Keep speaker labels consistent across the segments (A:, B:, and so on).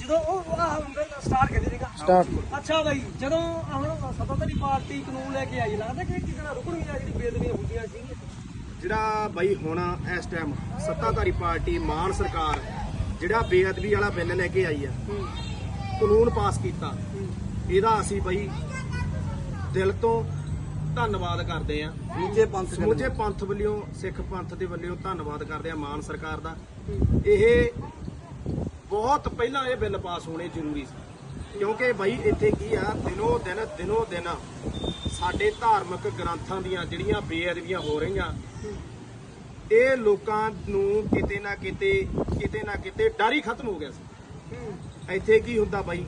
A: Start ਕਰ ਦੇਗਾ start. ਅੱਛਾ ਬਾਈ, ਜਦੋਂ ਹੁਣ ਸੱਤਾਧਾਰੀ ਪਾਰਟੀ ਕਾਨੂੰਨ ਲੈ ਕੇ ਆਈ, ਲੱਗਦਾ ਕਿ ਕਿਸੇ ਨਾਲ ਰੁਕਣਗੀਆਂ ਜਿਹੜੀ ਬੇਅਦਬੀਆਂ ਹੁੰਦੀਆਂ ਸੀ?
B: ਜਿਹੜਾ ਬਾਈ ਹੁਣ ਇਸ ਟਾਈਮ ਸੱਤਾਧਾਰੀ ਪਾਰਟੀ ਮਾਨ ਸਰਕਾਰ ਜਿਹੜਾ ਬੇਅਦਬੀ ਵਾਲਾ ਬਿੱਲ ਲੈ ਕੇ ਆਈ ਆ, ਕਾਨੂੰਨ ਪਾਸ ਕੀਤਾ, ਇਹਦਾ ਅਸੀਂ ਬਾਈ ਦਿਲ ਤੋਂ ਧੰਨਵਾਦ ਕਰਦੇ ਆ। ਸਮੁੱਚੇ ਪੰਥ ਵੱਲੋਂ, ਸਿੱਖ ਪੰਥ ਦੇ ਵੱਲੋਂ ਧੰਨਵਾਦ ਕਰਦੇ ਆ ਮਾਨ ਸਰਕਾਰ ਦਾ। ਇਹ ਬਹੁਤ ਪਹਿਲਾਂ ਇਹ ਬਿੱਲ ਪਾਸ ਹੋਣੇ ਜ਼ਰੂਰੀ ਸੀ, ਕਿਉਂਕਿ ਬਾਈ ਇੱਥੇ ਕੀ ਆ, ਦਿਨੋਂ ਦਿਨ ਸਾਡੇ ਧਾਰਮਿਕ ਗ੍ਰੰਥਾਂ ਦੀਆਂ ਜਿਹੜੀਆਂ ਬੇਅਦਬੀਆਂ ਹੋ ਰਹੀਆਂ, ਇਹ ਲੋਕਾਂ ਨੂੰ ਕਿਤੇ ਨਾ ਕਿਤੇ ਡਰ ਹੀ ਖਤਮ ਹੋ ਗਿਆ ਸੀ। ਇੱਥੇ ਕੀ ਹੁੰਦਾ ਬਾਈ,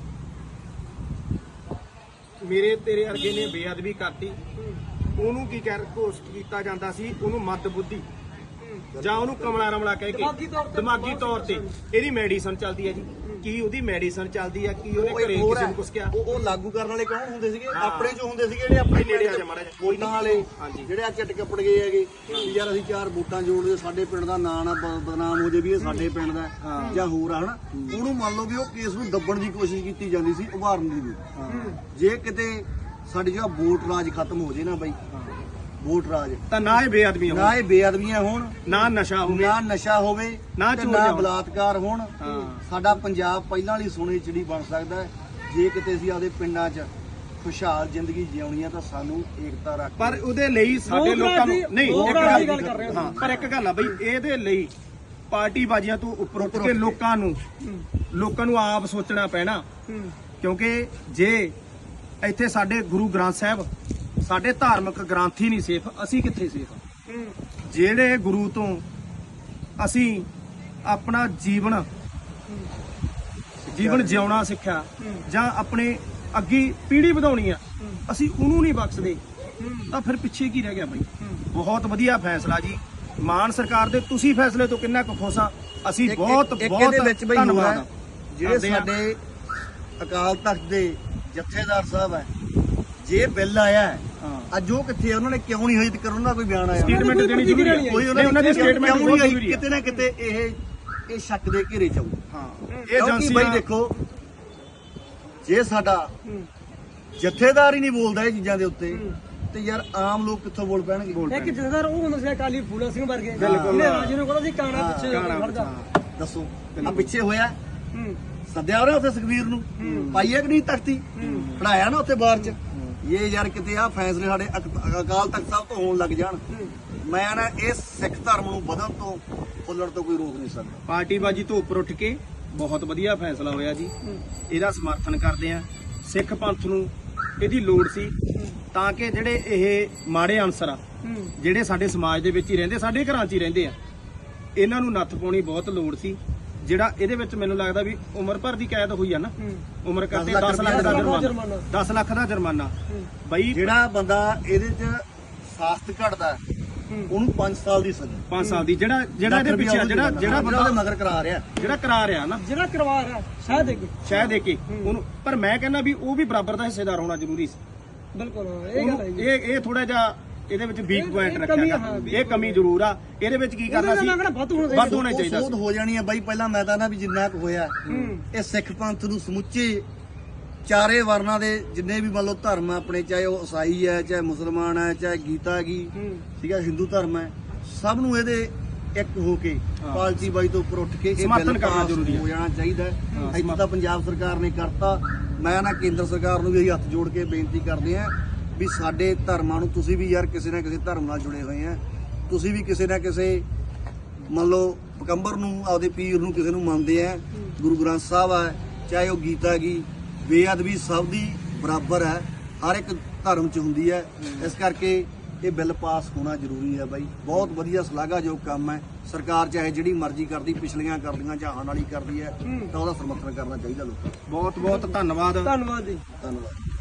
B: ਮੇਰੇ ਤੇਰੇ ਅਰਗੇ ਨੇ ਬੇਅਦਬੀ ਕਰਤੀ, ਉਹਨੂੰ ਕੀ ਘੋਸ਼ਿਤ ਕੀਤਾ ਜਾਂਦਾ ਸੀ, ਉਹਨੂੰ ਮੱਦ ਬੁੱਧੀ ਜਾਂ ਉਹਨੂੰ ਕਮਲਾ ਰਮਲਾ ਕਹਿ ਕੇ ਦਿਮਾਗੀ ਤੌਰ ਤੇ ਇਹਦੀ ਮੈਡੀਸਨ ਚੱਲਦੀ ਹੈ ਜੀ। ਕੀ ਉਹਦੀ ਮੈਡੀਸਨ ਚੱਲਦੀ ਆ? ਕੀ ਉਹਨੇ ਘਰੇ ਕਿਸੇ ਨੂੰ ਕੁਛ ਕਿਹਾ?
C: ਉਹ ਲਾਗੂ ਕਰਨ ਵਾਲੇ ਕੌਣ ਹੁੰਦੇ ਸੀਗੇ? ਆਪਣੇ ਚੋਂ ਹੁੰਦੇ ਸੀਗੇ ਜਿਹੜੇ ਆਪਣੇ
B: ਨੇੜੇ ਆ ਜਾ ਮਾੜਾ ਜਿਹਾ
C: ਵੋਟਾਂ ਵਾਲੇ, ਜਿਹੜੇ ਆ ਚੱਟ ਕੱਪੜ ਗਏ ਹੈਗੇ ਵੀ ਯਾਰ ਅਸੀਂ 4 ਵੋਟਾਂ ਜੋੜਦੇ, ਸਾਡੇ ਪਿੰਡ ਦਾ ਨਾਂ ਨਾ ਬਦਨਾਮ ਹੋ ਜੇ ਵੀ ਇਹ ਸਾਡੇ ਪਿੰਡ ਦਾ ਜਾਂ ਹੋਰ ਆ, ਹਨਾ। ਉਹਨੂੰ ਮੰਨ ਲਓ ਵੀ ਉਹ ਕੇਸ ਨੂੰ ਦੱਬਣ ਦੀ ਕੋਸ਼ਿਸ਼ ਕੀਤੀ ਜਾਂਦੀ ਸੀ, ਉਭਾਰਨ ਦੀ ਵੀ। ਜੇ ਕਿਤੇ ਸਾਡੀ ਜਿਹੜਾ ਵੋਟ ਰਾਜ ਖਤਮ ਹੋ ਜੇ ਨਾ ਬਾਈ, ਵੋਟ ਰਾਜ
B: ਤਾਂ ਨਾ ਇਹ
C: ਬੇਅਦਬੀਆਂ ਹੋਣ,
B: ਨਾ ਨਸ਼ਾ
C: ਹੋਵੇ, ਨਾ ਬਲਾਤਕਾਰ ਹੋਣ, ਸਾਡਾ ਪੰਜਾਬ ਪਹਿਲਾਂ ਵਾਲੀ ਸੋਨੇ ਚਿੜੀ ਬਣ ਸਕਦਾ ਹੈ। ਜੇ ਕਿਤੇ ਅਸੀਂ ਆਪਦੇ ਪਿੰਡਾਂ 'ਚ ਖੁਸ਼ਹਾਲ ਜ਼ਿੰਦਗੀ ਜਿਉਣੀ ਆ ਤਾਂ ਸਾਨੂੰ ਏਕਤਾ ਰੱਖ,
B: ਪਰ ਉਹਦੇ ਲਈ ਸਾਡੇ ਲੋਕਾਂ ਨੂੰ ਨਹੀਂ, ਪਰ ਇੱਕ ਗੱਲ ਆ ਬਈ, ਇਹਦੇ ਲਈ ਪਾਰਟੀ ਬਾਜ਼ੀਆਂ ਤੋਂ ਉੱਪਰ ਉੱਠ ਕੇ ਲੋਕਾਂ ਨੂੰ ਆਪ ਸੋਚਣਾ ਪੈਣਾ। ਕਿਉਂਕਿ ਜੇ ਇੱਥੇ ਸਾਡੇ ਗੁਰੂ ਗ੍ਰੰਥ ਸਾਹਿਬ, ਸਾਡੇ ਧਾਰਮਿਕ ਗ੍ਰੰਥ ਹੀ ਨਹੀਂ ਸੇਫ, ਅਸੀਂ ਕਿੱਥੇ ਸੇਫ? ਜਿਹੜੇ ਗੁਰੂ ਤੋਂ ਅਸੀਂ ਆਪਣਾ ਜੀਵਨ ਜਿਉਣਾ ਸਿੱਖਿਆ ਜਾਂ ਆਪਣੇ ਅੱਗੇ ਪੀੜ੍ਹੀ ਵਧਾਉਣੀ ਆ, ਅਸੀਂ ਉਹਨੂੰ ਨਹੀਂ ਬਖਸ਼ਦੇ, ਤਾਂ ਫਿਰ ਪਿੱਛੇ ਕੀ ਰਹਿ ਗਿਆ ਬਾਈ? ਬਹੁਤ ਵਧੀਆ ਫੈਸਲਾ ਜੀ ਮਾਨ ਸਰਕਾਰ ਦੇ। ਤੁਸੀਂ ਫੈਸਲੇ ਤੋਂ ਕਿੰਨਾ ਕੁ ਖੁਸ਼ ਆ? ਅਸੀਂ ਬਹੁਤ ਧੰਨਵਾਦ।
C: ਜਿਹੜੇ ਸਾਡੇ ਅਕਾਲ ਤਖਤ ਦੇ ਜਥੇਦਾਰ ਸਾਹਿਬ ਹੈ, ਜੇ ਬਿੱਲ ਆਇਆ ਹੈ ਅੱਜ ਉਹ ਕਿੱਥੇ, ਉਹਨਾਂ ਨੇ ਕਿਉਂ ਨਹੀਂ ਹਜੇ ਤੱਕ ਉਹਨਾਂ ਦਾ ਕੋਈ ਬਿਆਨ ਆਇਆ?
B: ਸਟੇਟਮੈਂਟ ਦੇਣੀ ਜ਼ਰੂਰੀ ਹੈ, ਕੋਈ ਉਹਨਾਂ ਦੀ ਸਟੇਟਮੈਂਟ ਬਹੁਤ ਜ਼ਰੂਰੀ ਹੈ।
C: ਕਿਤੇ ਨਾ ਕਿਤੇ ਇਹ ਸ਼ੱਕ ਦੇ ਘੇਰੇ ਚ ਆਊ।
B: ਇਹ ਏਜੰਸੀ
C: ਬਾਈ ਦੇਖੋ, ਜੇ ਸਾਡਾ ਜਥੇਦਾਰ ਹੀ ਨਹੀਂ ਬੋਲਦਾ ਇਹ ਚੀਜ਼ਾਂ ਦੇ ਉੱਤੇ, ਤੇ ਯਾਰ ਆਮ ਲੋਕ ਕਿੱਥੋਂ ਬੋਲ ਪੈਣਗੇ?
A: ਇੱਕ ਜਥੇਦਾਰ ਉਹ ਹੁੰਦਾ ਸੀ ਅਕਾਲੀ ਫੂਲਾ ਸਿੰਘ ਵਰਗੇ, ਜਿਹਨੂੰ ਕਹਿੰਦਾ ਸੀ ਕਾਣਾ ਪਿੱਛੇ ਖੜ ਜਾ।
C: ਦੱਸੋ ਆ ਪਿੱਛੇ ਹੋਇਆ, ਸੱਦਿਆ ਉਹਨੇ ਉੱਥੇ ਸੁਖਬੀਰ ਨੂੰ, ਪਾਈਏ ਕਿ ਨਹੀਂ ਤਖਤੀ, ਖੜਾਇਆ ਨਾ ਉੱਥੇ ਬਾਹਰ ਚ। ਇਹ ਯਾਰ ਕਿਤੇ ਆ ਫੈਸਲੇ ਸਾਡੇ ਅਕਾਲ ਤਖਤ ਸਾਹਿਬ ਤੋਂ ਹੋਣ ਲੱਗ ਜਾਣ, ਮੈਂ ਨਾ ਇਹ ਸਿੱਖ ਧਰਮ ਨੂੰ ਵਧਣ ਤੋਂ ਫੁੱਲਣ ਤੋਂ ਕੋਈ ਰੋਕ ਨਹੀਂ ਸਕਦਾ।
B: ਪਾਰਟੀ ਬਾਜੀ ਤੋਂ ਉੱਪਰ ਉੱਠ ਕੇ ਬਹੁਤ ਵਧੀਆ ਫੈਸਲਾ ਹੋਇਆ ਜੀ, ਇਹਦਾ ਸਮਰਥਨ ਕਰਦੇ ਆ। ਸਿੱਖ ਪੰਥ ਨੂੰ ਇਹਦੀ ਲੋੜ ਸੀ, ਤਾਂ ਕਿ ਜਿਹੜੇ ਇਹ ਮਾੜੇ ਅਨਸਰ ਆ, ਜਿਹੜੇ ਸਾਡੇ ਸਮਾਜ ਦੇ ਵਿੱਚ ਹੀ ਰਹਿੰਦੇ, ਸਾਡੇ ਘਰਾਂ 'ਚ ਹੀ ਰਹਿੰਦੇ ਆ, ਇਹਨਾਂ ਨੂੰ ਨੱਥ ਪਾਉਣੀ ਬਹੁਤ ਲੋੜ ਸੀ। ਜਿਹੜਾ ਇਹਦੇ ਵਿੱਚ ਮੈਨੂੰ ਲੱਗਦਾ ਵੀ ਉਮਰ ਭਰ ਦੀ ਕੈਦ ਹੋਈ ਆ ਨਾ, ਉਮਰ ਕਰਕੇ 10 ਲੱਖ ਦਾ ਜੁਰਮਾਨਾ, 10 ਲੱਖ ਦਾ ਜੁਰਮਾਨਾ। ਬਈ
C: ਜਿਹੜਾ ਬੰਦਾ ਇਹਦੇ 'ਚ ਸਾਸਤ ਘਟਦਾ ਉਹਨੂੰ 5 ਸਾਲ ਦੀ ਸਜ਼ਾ,
B: 5 ਸਾਲ ਦੀ। ਜਿਹੜਾ ਇਹਦੇ ਪਿੱਛੇ ਜਿਹੜਾ ਬੰਦਾ
C: ਮਗਰ ਕਰਾ ਰਿਹਾ
B: ਨਾ,
A: ਜਿਹੜਾ ਕਰਵਾ ਰਿਹਾ
B: ਸ਼ਾਇਦ ਦੇ ਕੇ ਉਹਨੂੰ, ਪਰ ਮੈਂ ਕਹਿੰਦਾ ਵੀ ਉਹ ਵੀ ਬਰਾਬਰ ਦਾ ਹਿੱਸੇਦਾਰ ਹੋਣਾ ਜ਼ਰੂਰੀ ਸੀ।
A: ਬਿਲਕੁਲ, ਇਹ ਗੱਲ ਹੈ।
B: ਇਹ ਥੋੜਾ ਜਿਹਾ ਇਹਦੇ ਵਿੱਚ ਵੀਕ ਪੁਆਇੰਟ ਰੱਖਿਆ, ਇਹ ਕਮੀ ਜ਼ਰੂਰ ਆ। ਇਹਦੇ ਵਿੱਚ ਕੀ ਕਰਨਾ ਸੀ, ਵੱਧ ਹੋਣਾ ਚਾਹੀਦਾ ਸੀ।
C: ਹੋ ਜਾਣੀ ਹੈ ਬਾਈ। ਪਹਿਲਾਂ ਮੈਂ ਤਾਂ ਨਾ ਵੀ ਜਿੰਨਾ ਕੁ ਹੋਇਆ ਇਹ ਸਿੱਖ ਪੰਥ ਨੂੰ ਸਮੁੱਚੇ ਚਾਰੇ ਵਰਨਾਂ ਦੇ ਜਿੰਨੇ ਵੀ ਮੰਨ ਲਓ ਧਰਮ ਆ ਆਪਣੇ, ਚਾਹੇ ਉਹ ਈਸਾਈ ਹੈ, ਚਾਹੇ ਮੁਸਲਮਾਨ ਹੈ, ਚਾਹੇ ਗੀਤਾ ਹੈਗੀ, ਠੀਕ ਹੈ, ਹਿੰਦੂ ਧਰਮ ਹੈ, ਸਭ ਨੂੰ ਇਹਦੇ ਇੱਕ ਹੋ ਕੇ ਪਾਲਟੀ ਬਾਈ ਤੋਂ ਉੱਪਰ ਉੱਠ ਕੇ ਇਹ
B: ਸਮਰਥਨ ਕਰਨਾ ਜ਼ਰੂਰੀ
C: ਹੋ ਜਾਣਾ ਚਾਹੀਦਾ ਹੈ। ਇੱਥੇ ਤਾਂ ਪੰਜਾਬ ਸਰਕਾਰ ਨੇ ਕਰਤਾ। ਮੈਂ ਨਾ ਕੇਂਦਰ ਸਰਕਾਰ ਨੂੰ ਵੀ ਹੱਥ ਜੋੜ ਕੇ ਬੇਨਤੀ ਕਰਦੇ ਆ ਵੀ ਸਾਡੇ ਧਰਮਾਂ ਨੂੰ, ਤੁਸੀਂ ਵੀ ਯਾਰ ਕਿਸੇ ਨਾ ਕਿਸੇ ਧਰਮ ਨਾਲ ਜੁੜੇ ਹੋਏ ਆ, ਤੁਸੀਂ ਵੀ ਕਿਸੇ ਨਾ ਕਿਸੇ ਮੰਨ ਲਓ ਪੈਗੰਬਰ ਨੂੰ, ਆਪਦੇ ਪੀਰ ਨੂੰ, ਕਿਸੇ ਨੂੰ ਮੰਨਦੇ ਆ। ਗੁਰੂ ਗ੍ਰੰਥ ਸਾਹਿਬ ਹੈ, ਚਾਹੇ ਉਹ ਗੀਤਾ ਗੀ, ਬੇਅਦਬੀ ਸਭ ਦੀ ਬਰਾਬਰ ਹੈ, ਹਰ ਇੱਕ ਧਰਮ 'ਚ ਹੁੰਦੀ ਹੈ। ਇਸ ਕਰਕੇ ਇਹ ਬਿੱਲ ਪਾਸ ਹੋਣਾ ਜ਼ਰੂਰੀ ਹੈ ਬਾਈ। ਬਹੁਤ ਵਧੀਆ ਸ਼ਲਾਘਾਯੋਗ ਕੰਮ ਹੈ। ਸਰਕਾਰ ਚਾਹੇ ਜਿਹੜੀ ਮਰਜ਼ੀ ਕਰਦੀ, ਪਿਛਲੀਆਂ ਕਰਦੀਆਂ ਜਾਂ ਆਉਣ ਵਾਲੀ ਕਰਦੀ ਹੈ, ਤਾਂ ਉਹਦਾ ਸਮਰਥਨ ਕਰਨਾ ਚਾਹੀਦਾ ਲੋਕਾਂ ਨੂੰ।
B: ਬਹੁਤ ਬਹੁਤ ਧੰਨਵਾਦ
A: ਜੀ।
C: ਧੰਨਵਾਦ।